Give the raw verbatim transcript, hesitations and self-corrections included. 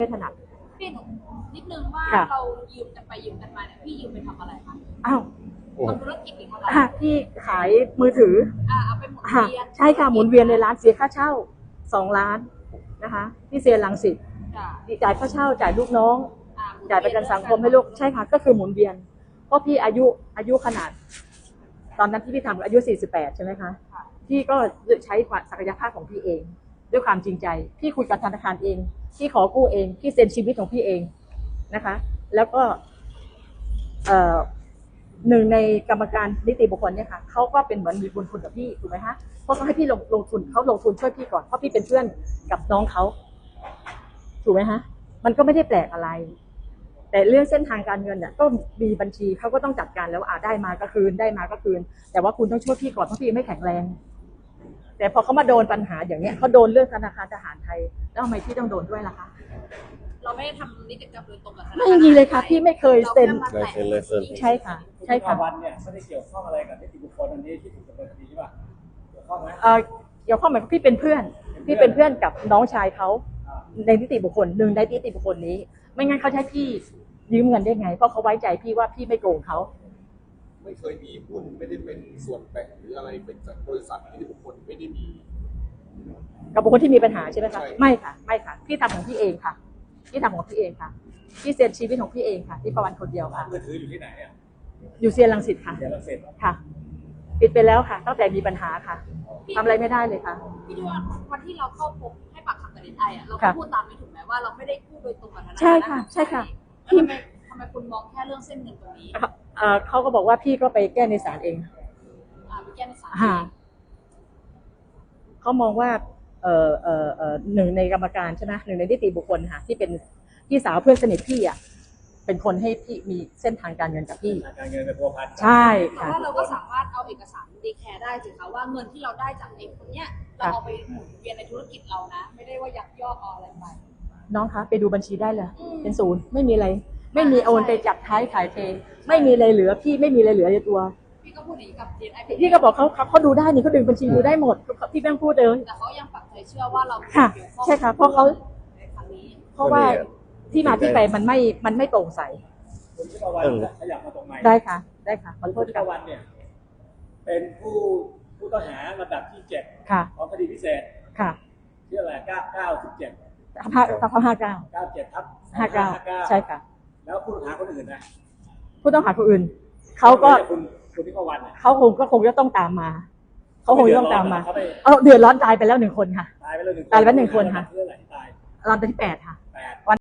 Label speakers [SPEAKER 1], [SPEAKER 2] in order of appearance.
[SPEAKER 1] ไม่ถนัด
[SPEAKER 2] พี่หนูนิดนึงว่าเรายืมกันไปยืมกันมาเนี่ยพี่ยืมไปทำอะไรคะ
[SPEAKER 1] อ้าว
[SPEAKER 2] ทำธุรกิจหรือทำอะไร
[SPEAKER 1] พี่ขายมือถือ
[SPEAKER 2] อ่าเอาไปหมุนเวียน
[SPEAKER 1] ใช่ค่ะหมุนเวียนในร้านเสียค่าเช่าสองล้านนะคะที่เซียนรังสิตจ่ายค่าเช่าจ่ายลูกน้องจ่ายประกันสังคมให้ลูกใช่ค่ะก็คือหมุนเวียนเพราะพี่อายุอายุขนาดตอนนั้นที่พี่ทำอายุสี่สิบแปดใช่ไหมคะพี่ก็ใช้ศักยภาพของพี่เองด้วยความจริงใจพี่คุยกับธนาคารเองพี่ขอกู้เองพี่เซ็นชีวิตของพี่เองนะคะแล้วก็หนึ่งในกรรมการนิติบุคคลเนี่ยค่ะเขาก็เป็นเหมือนมีบุญคุณกับพี่ถูกไหมคะเพราะเขาให้พี่ลงลงทุนเขาลงทุนช่วยพี่ก่อนเพราะพี่เป็นเพื่อนกับน้องเขาถูกไหมคะมันก็ไม่ได้แปลกอะไรแต่เรื่องเส้นทางการเงินเนี่ยก็มีบัญชีเขาก็ต้องจัดการแล้วอ่าได้มาก็คืนได้มาก็คืนแต่ว่าคุณต้องช่วยพี่ก่อนเพราะพี่ไม่แข็งแรงแต่พอเขามาโดนปัญหาอย่างเนี้ยเขาโดนเรื่องธนาคารทหารไทยแล้วทำไมพี่ต้องโดนด้วยล่ะคะ
[SPEAKER 2] เราไม่ได้ทำนิติกรรมโดยตรงกับธนาคาร
[SPEAKER 1] ไม่มีเลยค่ะพี่ไม่เคยเซ็นใช่ค่ะใช่ค่ะ
[SPEAKER 3] วันเนี่ยไม่ได้เกี่ยวข้องอะไรกับนิติบุคคลอันนี้ที่ถูกดำเนินคดีใช่ป่ะเกี่ยวข้องไหม
[SPEAKER 1] เอ่อเกี่ยวข้องไหมพี่เป็นเพื่อนพี่เป็นเพื่อนกับน้องชายเขาในนิติบุคคลหนึ่งในนิติบุคคลนี้ไม่งั้นเขาใช้พี่ยืมเงินได้ไงเพราะเขาไว้ใจพี่ว่าพี่ไม่โกงเขา
[SPEAKER 4] ไม่เคยมีหุ้นไม่ได้เป็นส่วนแบ่งหรืออะไรเป็นจากบริษัทนิติบุคคลไม่ได้มี
[SPEAKER 1] กับบุคคลที่มีปัญหาใช่ไหมคะไม่ค่ะไม่ค่ะพี่ทำของพี่เองค่ะพี่ทำของพี่เองค่ะพี่เซ็นชีวิตของพี่เองค่ะที่ประวันคนเดียวค่ะ
[SPEAKER 3] มือถืออยู่ที่ไหนอ่ะ
[SPEAKER 1] อยู่เซียนรังสิตค่ะ
[SPEAKER 3] เซียนรังสิต
[SPEAKER 1] ค่ะปิดไปแล้วค่ะตั้งแต่มีปัญหาค่ะทำอะไรไม่ได้เลยค่ะ
[SPEAKER 2] พี่ดูว่าวันที่เราเข้าพบให้ปากคำกับเดนไออ่ะเราพูดตามไม่ถูกไหมว่าเราไม่ได้พูดโดยตรงกับธนาคาร
[SPEAKER 1] ใช่ค่ะใช่ค่ะ
[SPEAKER 2] ทำไมทำไมคุณมองแค่เรื่องเส้นเงินตรงนี้
[SPEAKER 1] เขาก็บอกว่าพี่ก็ไปแก้ในศาลเอง
[SPEAKER 2] อ่าไปแก้ในศาล
[SPEAKER 1] เขามองว่าเอ่อเอ่อเอ่อหนึ่งในกรรมการใช่ไหมหนึ่งในนิติบุคคลค่ะที่เป็นพี่สาวเพื่อนสนิทพี่อ่ะเป็นคนให้พี่มีเส้นทางการเงินกับพี่
[SPEAKER 3] การเงินเป็นพัวพัน
[SPEAKER 1] ใช่
[SPEAKER 2] ค่ะแต่ว่าเราก็สามารถเอาเอกสารดีแคร์ได้สิคะว่าเงินที่เราได้จากไอ้คนเนี้ยเราเอาไปหมุนเวียนในธุรกิจเรานะไม่ได้ว่ายักยอกเอาอะไรไป
[SPEAKER 1] น้องคะไปดูบัญชีได้เลยเป็นศูนย์ไม่มีอะไรไม่มีโอนไปจับท้ายขายเทไม่มีอะไรเหลือพี่ไม่มีอะไรเหลือในตัว
[SPEAKER 2] พี่ก็พูดอย่างนี้กับเดนไอ
[SPEAKER 1] พี่ก็บอกเขาเขาดูได้นี่เขาดึงบัญชีดูได้หมดพี่แม่งพูดเลย
[SPEAKER 2] แต่เขายังปักใจเชื่อว่าเรา
[SPEAKER 1] ค่ะใช่ค่ะเพราะเขาเพราะว่าที่มาที่ไปมันไม่มันไม่โปร่งใส
[SPEAKER 3] คุณทิพวรรณขยับมาตรงไหน
[SPEAKER 1] ได้ค่ะได้ค่ะขอโทษ
[SPEAKER 3] คุณทิพวรรณเนี่ยเป็นผู้ผู้ต้องหาระดับที่เจ็ดของคดีพิเศษ
[SPEAKER 1] ค่ะ
[SPEAKER 3] ที่อะไรเก้าเก้าสิบเจ็ด
[SPEAKER 1] ห้าทับห้าเก้า
[SPEAKER 3] เก้าเจ็ดทับ
[SPEAKER 1] ห้าเก้าใช่ค่ะ
[SPEAKER 3] แล้วผู้ต้องหาคนอื่นนะ
[SPEAKER 1] ผู้ต้องหาคนอื่นเขาก็
[SPEAKER 3] คุณคุณทิพวรรณ
[SPEAKER 1] เขาคงก็คงจะต้องตามมาเขาคงจะต้องตามมาเออเดือดร้อนตายไปแล้วหนึ่งคนค่ะ
[SPEAKER 3] ตายไปแล้วหนึ่ง
[SPEAKER 1] ตายไปหนึ่งคนค่ะ
[SPEAKER 3] เรื่องอะไรตาย
[SPEAKER 1] ลำดับที่แปดค่ะ